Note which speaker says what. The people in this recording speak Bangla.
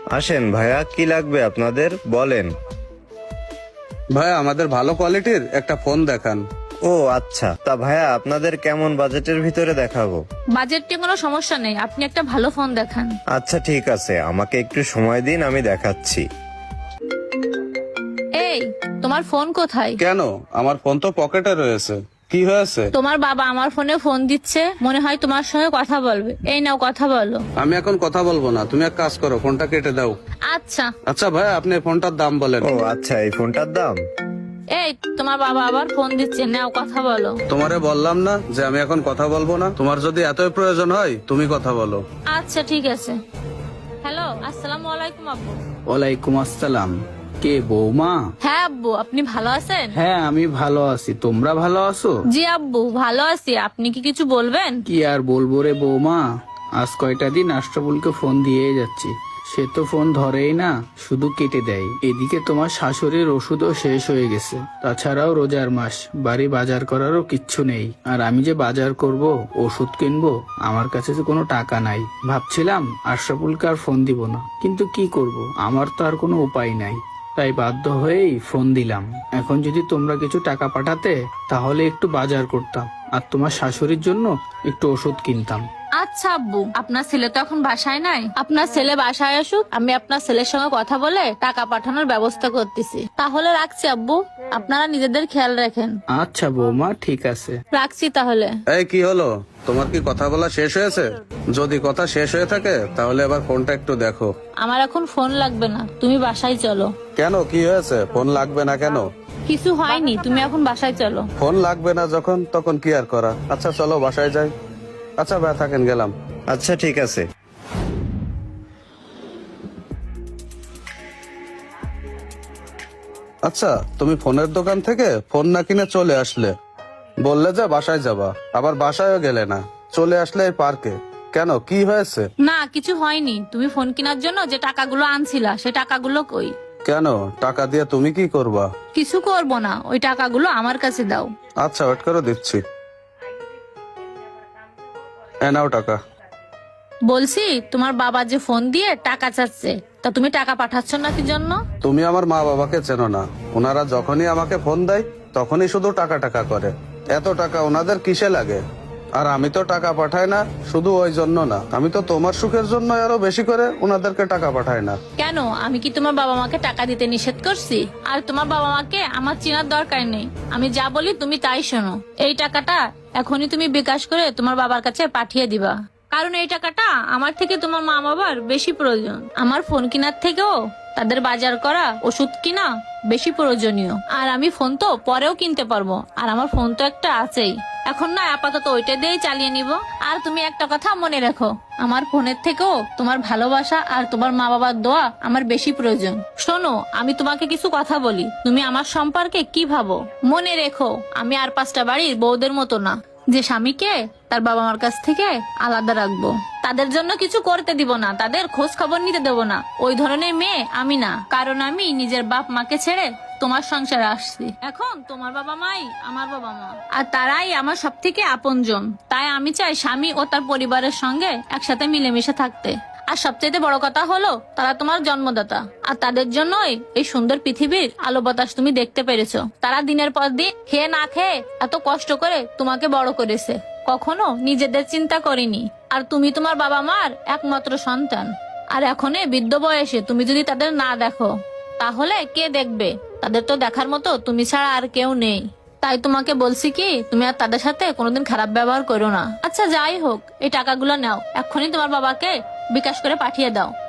Speaker 1: আসেন ভাইয়া, কি লাগবে আপনাদের বলেন।
Speaker 2: ভাই আমাদের ভালো কোয়ালিটির একটা ফোন দেখান।
Speaker 1: ও আচ্ছা, তা ভাইয়া আপনাদের কেমন বাজেটের ভিতরে দেখাবো?
Speaker 3: বাজেট নিয়ে কোনো সমস্যা নেই, আপনি একটা ভালো ফোন দেখান।
Speaker 1: আচ্ছা ঠিক আছে, আমাকে একটু সময় দিন, আমি দেখাচ্ছি।
Speaker 3: এই, তোমার ফোন কোথায়?
Speaker 2: কেন, আমার ফোন তো পকেটে রয়েছে, কি হয়েছে?
Speaker 3: তোমার বাবা আমার ফোনে ফোন দিচ্ছে, মনে হয় তোমার সঙ্গে কথা বলবে। এই নাও, কথা বলো।
Speaker 2: আমি এখন কথা বলবো না, তুমি এক কাজ করো, ফোনটা কেটে দাও।
Speaker 3: আচ্ছা।
Speaker 2: আচ্ছা ভাই, আপনি ফোনটার দাম বলেন।
Speaker 1: ও আচ্ছা, এই ফোনটার দাম?
Speaker 3: এই, তোমার বাবা আবার ফোন দিচ্ছে, নাও কথা বলো।
Speaker 2: তোমারে বললাম না যে আমি এখন কথা বলবো না? তোমার যদি এতই প্রয়োজন হয় তুমি কথা বলো।
Speaker 3: আচ্ছা ঠিক আছে। হ্যালো, আসসালামু আলাইকুম আব্বু।
Speaker 4: ওয়ালাইকুম আসসালাম। কে, বৌমা?
Speaker 3: হ্যাঁ আব্বু, আপনি ভালো আছেন?
Speaker 4: হ্যাঁ আমি ভালো আছি, তোমরা ভালো আছো?
Speaker 3: জি আব্বু, ভালো আছি। আপনি কি কিছু বলবেন?
Speaker 4: কি আর বলবো রে বৌমা, আজ কয়টা দিন আশরাফুলকে ফোন দিয়ে যাচ্ছি, সে তো ফোন ধরেই না, শুধু কেটে দেয়। এদিকে তোমার শাশুড়ির ওষুধও শেষ হয়ে গেছে, তাছাড়াও রোজার মাস, বাড়ি বাজার করারও কিচ্ছু নেই। আর আমি যে বাজার করব, ওষুধ কিনবো, আমার কাছে তো কোনো টাকা নাই। ভাবছিলাম আশরাফুলকে আর ফোন দিব না, কিন্তু কি করব, আমার তো আর কোনো উপায় নাই, তাই বাধ্য হয়েই ফোন দিলাম। এখন যদি তোমরা কিছু টাকা পাঠাতে তাহলে একটু বাজার করতাম, আর তোমার শাশুড়ির জন্য একটু ওষুধ কিনতাম।
Speaker 3: আচ্ছা আব্বু, আপনার ছেলে তো এখন বাসায় নাই। আপনার ছেলে বাসায় আসুক, আমি আপনার ছেলের সঙ্গে কথা বলে টাকা পাঠানোর ব্যবস্থা করতেছি। তাহলে রাখছি আব্বু, আপনারা নিজেদের খেয়াল রাখেন।
Speaker 4: আচ্ছা বৌমা, ঠিক আছে।
Speaker 3: রাখছি তাহলে।
Speaker 2: এই কি হলো, তোমার কি কথা বলা শেষ হয়েছে? যদি কথা শেষ হয়ে থাকে তাহলে এবার ফোনটা একটু দেখো।
Speaker 3: আমার এখন ফোন লাগবে না, তুমি বাসায় চলো।
Speaker 2: কেন, কি হয়েছে? ফোন লাগবে না কেন?
Speaker 3: কিছু হয়নি, তুমি এখন বাসায় চলো।
Speaker 2: ফোন লাগবে না যখন, তখন কি আর করা। আচ্ছা চলো বাসায় যাই। আচ্ছা ভাই থাকেন, গেলাম।
Speaker 1: আচ্ছা ঠিক আছে।
Speaker 2: আচ্ছা, তুমি ফোনের দোকান থেকে ফোন না কিনে চলে আসলে, বললে যে বাসায় যাবা, আবার বাসায়ও গেলে না, চলে আসলে এই পার্কে। কেন, কি হয়েছে?
Speaker 3: না, কিছু হয়নি। তুমি ফোন কেনার জন্য যে টাকাগুলো আনছিলা, সে টাকাগুলো কই?
Speaker 2: কেন, টাকা দিয়ে তুমি কি করবা?
Speaker 3: কিছু করব না, ওই টাকাগুলো আমার কাছে দাও।
Speaker 2: আচ্ছা ওয়েট করে দিচ্ছি। এ নাও টাকা।
Speaker 3: বলছি, তোমার বাবা যে ফোন দিয়ে টাকা চাচ্ছে, তা তুমি টাকা পাঠাচ্ছ না কি জন্য?
Speaker 2: তুমি আমার মা বাবাকে চেনো না, ওনারা যখনই আমাকে ফোন দেয় তখনই শুধু টাকা টাকা করে। এত টাকা ওনাদের কিসে লাগে? আর আমি তো টাকা পাঠাই না শুধু ওই জন্য না, আমি তো তোমার সুখের জন্য আরো বেশি করে ওনাদেরকে টাকা পাঠাই না।
Speaker 3: কেন, আমি কি তোমার বাবা মাকে টাকা দিতে নিষেধ করছি? আর তোমার বাবা মাকে আমার চেনার দরকার নেই, আমি যা বলি তুমি তাই শোনো। এই টাকাটা এখনই তুমি বিকাশ করে তোমার বাবার কাছে পাঠিয়ে দিবা, কারণ এই টাকাটা আমার থেকে তোমার মা বাবার বেশি প্রয়োজন। আমার ফোন কেনার থেকেও তাদের বাজার করা, ওষুধ কিনা বেশি প্রয়োজনীয়। আর আমি ফোন তো পরেও কিনতে পারবো, আর আমার ফোন তো একটা আছেই। এখন না, আপাতত ওইটা দিয়েই চালিয়ে নিব। আর তুমি একটা কথা মনে রেখো, আমার ফোনের থেকেও তোমার ভালোবাসা আর তোমার মা বাবার দোয়া আমার বেশি প্রয়োজন। শোনো, আমি তোমাকে কিছু কথা বলি, তুমি আমার সম্পর্কে কি ভাবো? মনে রেখো, আমি আর 5টা বাড়ির বউদের মতো না, যে স্বামীকে তার বাবা মার কাছ থেকে আলাদা রাখবো, তাদের জন্য কিছু করতে দিব না, তাদের খোঁজ খবর নিতে দেব না। ওই ধরনের মেয়ে আমি না, কারণ আমি নিজের বাপ মাকে ছেড়ে তোমার সংসারে আসছি। এখন তোমার বাবা মাই আমার বাবা মা, আর তারাই আমার সব থেকে আপনজন। তাই আমি চাই স্বামী ও তার পরিবারের সঙ্গে একসাথে মিলেমিশে থাকতে। আর সবচেয়ে বড় কথা হলো, তারা তোমার জন্মদাতা, আর তাদের জন্যই এই সুন্দর পৃথিবীর আলো বাতাস তুমি দেখতে পেরেছো। তারা দিনের পর দিন খেয়ে না খেয়ে এত কষ্ট করে তোমাকে বড় করেছে, কখনো নিজেদের চিন্তা করেনি। আর তুমি তোমার বাবা মার একমাত্র সন্তান, আর এখন এই বৃদ্ধ বয়সে তুমি যদি তাদের না দেখো, তাহলে কে দেখবে? তাদের তো দেখার মতো তুমি ছাড়া আর কেউ নেই। তাই তোমাকে বলছি কি, তুমি আর তাদের সাথে কোনোদিন খারাপ ব্যবহার করো না। আচ্ছা যাই হোক, এই টাকাগুলো নাও, এক্ষুনি তোমার বাবাকে বিকাশ করে পাঠিয়ে দাও।